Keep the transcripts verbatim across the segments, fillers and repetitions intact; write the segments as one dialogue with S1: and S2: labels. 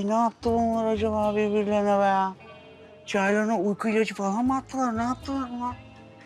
S1: Ay ne yaptı bunlar acaba birbirlerine be ya? Çaylarına uyku ilacı falan mı attılar? Ne yaptılar bunlar?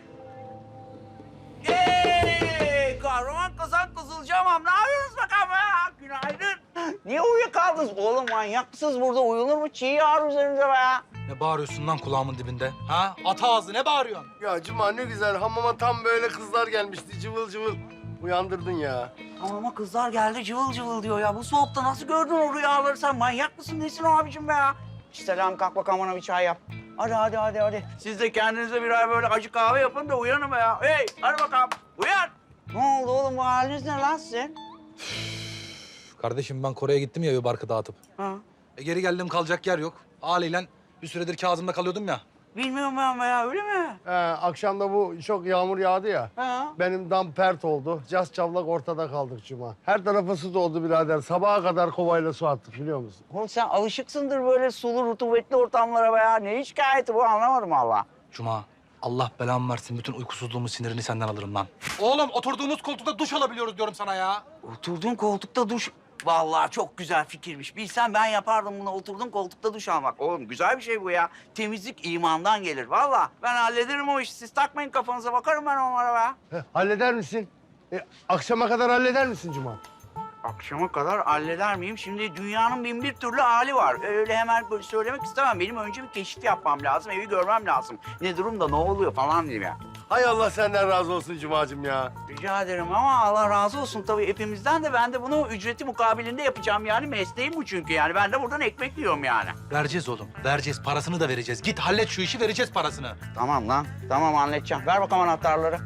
S1: Hey! Kahraman kazan kızılcamam. Ne yapıyorsunuz bakalım ya? Günaydın. Niye uyuyakaldınız? Oğlum manyak mısınız burada? Uyunur mu? Çiğ yağar üzerinize be ya.
S2: Ne bağırıyorsun lan kulağımın dibinde? Ha? At ağzı ne bağırıyorsun?
S3: Ya Cuma ne güzel hamama tam böyle kızlar gelmişti cıvıl cıvıl. Uyandırdın ya.
S1: Ama kızlar geldi cıvıl cıvıl diyor ya. Bu soğukta nasıl gördün o rüyaları sen? Manyak mısın? Nesin o abicim be ya? Selam kalk bakalım bana bir çay yap. Hadi hadi hadi hadi. Siz de kendinize birer böyle acı kahve yapın da uyanın be ya. Hey hadi bakalım uyan. Ne oldu oğlum bu haliniz ne lan sizin?
S2: Kardeşim ben Kore'ye gittim ya bir barkı dağıtıp.
S1: Ha.
S2: E geri geldim kalacak yer yok. Haliyle bir süredir Kazım'da kalıyordum ya.
S1: Bilmiyorum ben be ya öyle mi?
S3: He, akşam da bu çok yağmur yağdı ya.
S1: Ha.
S3: Benim dam pert oldu. Cas çavlak ortada kaldık Cuma. Her tarafa su doldu birader. Sabaha kadar kovayla su attık biliyor musun?
S1: Oğlum sen alışıksındır böyle sulu rutubetli ortamlara be ya. Ne şikayeti bu anlamadım valla.
S2: Cuma Allah belamı versin bütün uykusuzluğumu sinirini senden alırım lan. Oğlum oturduğumuz koltukta duş alabiliyoruz diyorum sana ya.
S1: Oturduğun koltukta duş... Vallahi çok güzel fikirmiş. Bilsem ben yapardım bunu. Oturduğun koltukta duş almak. Oğlum güzel bir şey bu ya. Temizlik imandan gelir. Vallahi ben hallederim o işi. Siz takmayın kafanıza. Bakarım ben onlara be.
S3: He, halleder misin? E, akşama kadar halleder misin Cuma?
S1: Akşama kadar halleder miyim? Şimdi dünyanın bin bir türlü hali var. Öyle hemen böyle söylemek istemem. Benim önce bir keşif yapmam lazım. Evi görmem lazım. Ne durumda, ne oluyor falan diyeyim ya.
S3: Hay Allah senden razı olsun Cuma'cığım ya.
S1: Rica ederim ama Allah razı olsun tabii hepimizden de ben de bunu ücreti mukabilinde yapacağım yani mesleğim bu çünkü yani ben de buradan ekmek yiyorum yani.
S2: Vereceğiz oğlum. Vereceğiz. Parasını da vereceğiz. Git hallet şu işi vereceğiz parasını.
S1: Tamam lan tamam halledeceğim. Ver bakalım anahtarları.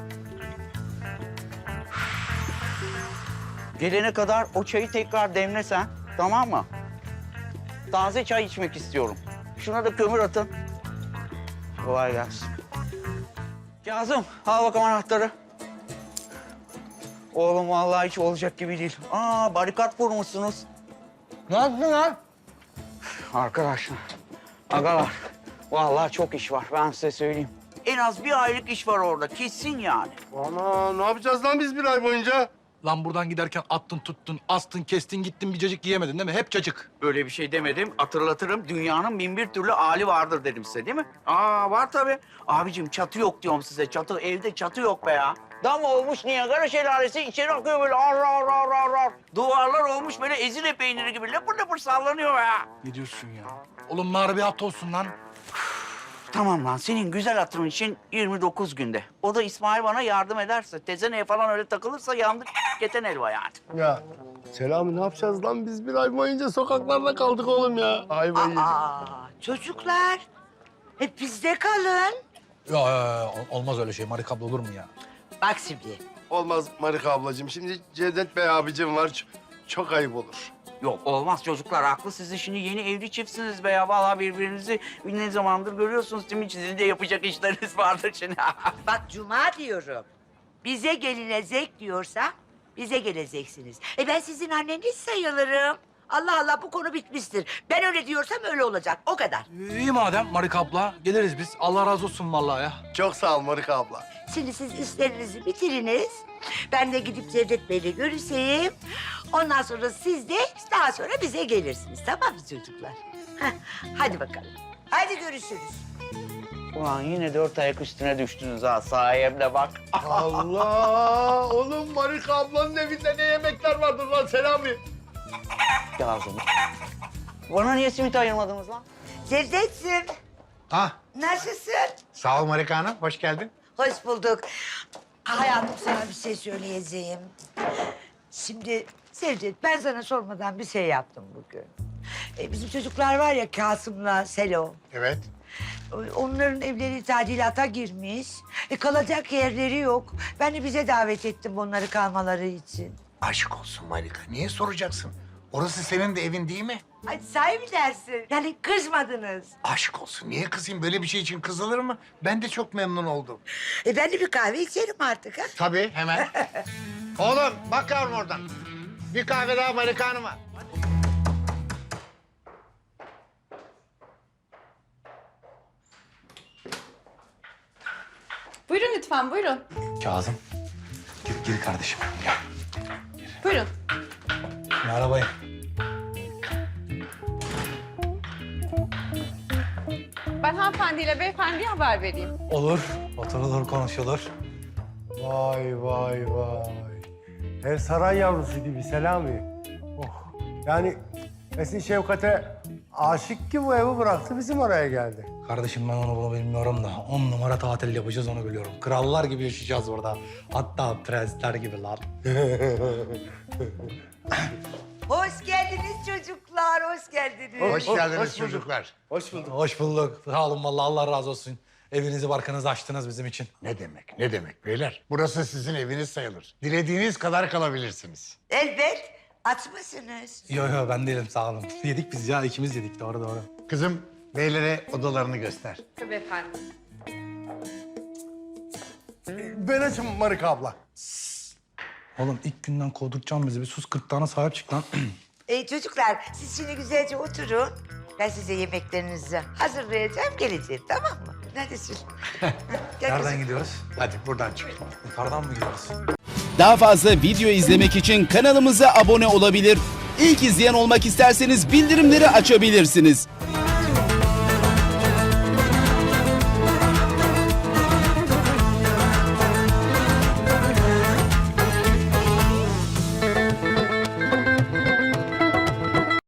S1: Gelene kadar o çayı tekrar demlesen tamam mı? Taze çay içmek istiyorum. Şuna da kömür atın. Kolay gelsin. Kazım al bakalım anahtarı. Oğlum vallahi hiç olacak gibi değil. Aa barikat kurmuşsunuz.
S2: Ne yaptın lan?
S1: Arkadaşlar, agalar vallahi çok iş var ben size söyleyeyim. En az bir aylık iş var orada kesin yani.
S3: Ana ne yapacağız lan biz bir ay boyunca?
S2: Lan buradan giderken attın tuttun, astın kestin gittin bir cacık yiyemedin değil mi? Hep cacık.
S1: Öyle bir şey demedim. Hatırlatırım. Dünyanın bin bir türlü hali vardır dedim size değil mi? Aa var tabii. Abicim çatı yok diyorum size. Çatı evde çatı yok be ya. Dam olmuş Niagara şelalesi içeri akıyor böyle ar ar ar ar ar. Duvarlar olmuş böyle ezine peyniri gibi lapır lapır sallanıyor be ya.
S2: Ne diyorsun ya? Oğlum bari bir hafta olsun lan.
S1: Tamam lan senin güzel hatırın için yirmi dokuz günde. O da İsmail bana yardım ederse, tezeneye falan öyle takılırsa yandık keten elva yani.
S3: Ya Selami ne yapacağız lan biz bir ay boyunca sokaklarda kaldık oğlum ya. Ay bayı.
S4: Aa, çocuklar hep bizde kalın.
S2: Ya, ya, ya, olmaz öyle şey. Marik abla olur mu ya?
S4: Bak şimdi.
S3: Olmaz Marika ablacığım. Şimdi Cevdet Bey abicim var. Ç- Çok ayıp olur.
S1: Yok olmaz çocuklar haklı. Siz de şimdi yeni evli çiftsiniz be ya. Vallahi birbirinizi ne zamandır görüyorsunuz değil mi? Sizin de yapacak işleriniz vardır şimdi.
S4: Bak Cuma diyorum. Bize gelinecek diyorsa bize geleceksiniz. E ben sizin anneniz sayılırım. Allah Allah bu konu bitmiştir. Ben öyle diyorsam öyle olacak. O kadar.
S2: İyi madem Marik abla. Geliriz biz. Allah razı olsun vallahi ya.
S3: Çok sağ ol Marika abla.
S4: Şimdi siz işlerinizi bitiriniz. Ben de gidip Cevdet Bey'le görüşeyim. Ondan sonra siz de daha sonra bize gelirsiniz. Tamam mı çocuklar? Heh, hadi bakalım. Hadi görüşürüz.
S1: Ulan yine dört ayak üstüne düştünüz ha sayemde bak.
S3: Allah! Oğlum Marika ablanın evinde ne yemekler vardır lan Selami?
S1: Kazım. Bana niye simit ayırmadınız lan?
S4: Cevdet'ciğim
S5: Ha,
S4: nasılsın?
S5: sağ ol Marika Hanım. Hoş geldin.
S4: Hoş bulduk. Hayatım sana bir şey söyleyeceğim. Şimdi Cevdet ben sana sormadan bir şey yaptım bugün. E, bizim çocuklar var ya Kasım'la Selo.
S5: Evet.
S4: Onların evleri tadilata girmiş. E, kalacak yerleri yok. Ben de bize davet ettim onları kalmaları için.
S5: Aşık olsun Marika. Niye soracaksın? Orası senin de evin değil mi?
S4: Hadi sahi mi dersin? Yani kızmadınız.
S5: Aşık olsun. Niye kızayım? Böyle bir şey için kızılır mı? Ben de çok memnun oldum.
S4: E ben de bir kahve içerim artık ha.
S5: Tabii, hemen. Oğlum, bak yavrum oradan. Bir kahve daha Marika Hanım'a.
S6: Buyurun lütfen, buyurun.
S2: Kazım. Gir, gir kardeşim. Gel.
S6: Buyurun.
S2: Arabayı.
S6: Ben hanımefendiyle beyefendiye haber vereyim.
S2: Olur. Oturulur, konuşulur.
S3: Vay vay vay. Ev saray yavrusu gibi Selami. Oh. Yani Esin Şevkat'e aşık ki bu evi bıraktı bizim oraya geldi.
S2: Kardeşim ben onu bunu bilmiyorum da on numara tatil yapacağız onu biliyorum. Krallar gibi yaşayacağız burada. Hatta prensler gibi lan.
S4: Hoş geldiniz çocuklar, hoş geldiniz.
S5: Hoş geldiniz çocuklar.
S3: Hoş bulduk.
S2: Hoş bulduk. Sağ olun vallahi Allah razı olsun. Evinizi barkınızı açtınız bizim için.
S5: Ne demek, ne demek beyler? Burası sizin eviniz sayılır. Dilediğiniz kadar kalabilirsiniz.
S4: Elbet açmasınız.
S2: Yo yo ben değilim sağ olun. Yedik biz ya ikimiz yedik doğru doğru.
S5: Kızım, beylere odalarını göster.
S6: Tabii efendim.
S3: Ben açım Marika abla.
S2: Oğlum ilk günden kovdurtacağım bizi. Bir sus kırtlağına sahip çık lan.
S4: Ee, çocuklar siz şimdi güzelce oturun. Ben size yemeklerinizi hazırlayacağım, geleceğim tamam mı? Neredesin? Gel
S2: Nereden
S4: kızım.
S2: gidiyoruz?
S5: Hadi buradan çıkın.
S2: Yukarıdan mı gidiyoruz?
S7: Daha fazla video izlemek için kanalımıza abone olabilir. İlk izleyen olmak isterseniz bildirimleri açabilirsiniz.